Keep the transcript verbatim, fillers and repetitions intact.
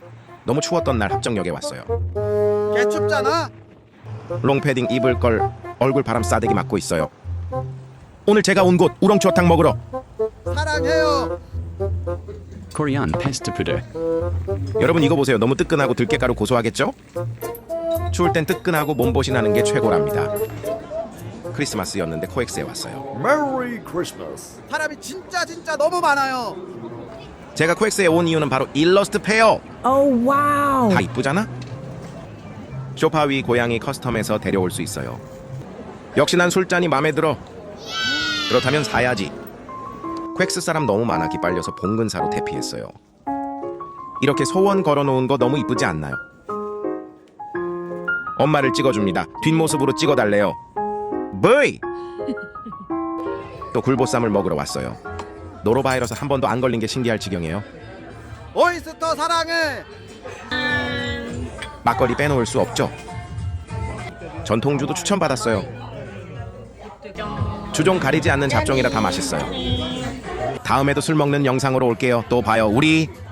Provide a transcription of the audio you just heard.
너무 추웠던 날 합정역에 왔어요. 개 춥잖아. 롱패딩 입을 걸 얼굴 바람 싸대기 맞고 있어요. 오늘 제가 온 곳 우렁추어탕 먹으러. 사랑해요. Korean pasta puder. 여러분 이거 보세요. 너무 뜨끈하고 들깨가루 고소하겠죠? 추울 땐 뜨끈하고 몸보신 하는 게 최고랍니다. 크리스마스였는데 코엑스에 왔어요. Merry Christmas. 사람이 진짜 진짜 너무 많아요. 제가 코엑스에 온 이유는 바로 일러스트 페어. Oh wow. 다 이쁘잖아? 소파 위 고양이 커스텀에서 데려올 수 있어요. 역시 난 술잔이 마음에 들어. 그렇다면 사야지. 코엑스 사람 너무 많아 기빨려서 봉근사로 대피했어요. 이렇게 소원 걸어놓은 거 너무 이쁘지 않나요? 엄마를 찍어줍니다. 뒷모습으로 찍어달래요. 브이! 또 굴보쌈을 먹으러 왔어요. 노로바이러스 한 번도 안 걸린 게 신기할 지경이에요. 오이스터 사랑해. 막걸리 빼놓을 수 없죠. 전통주도 추천받았어요. 주종 가리지 않는 잡종이라 다 맛있어요. 다음에도 술 먹는 영상으로 올게요. 또 봐요. 우리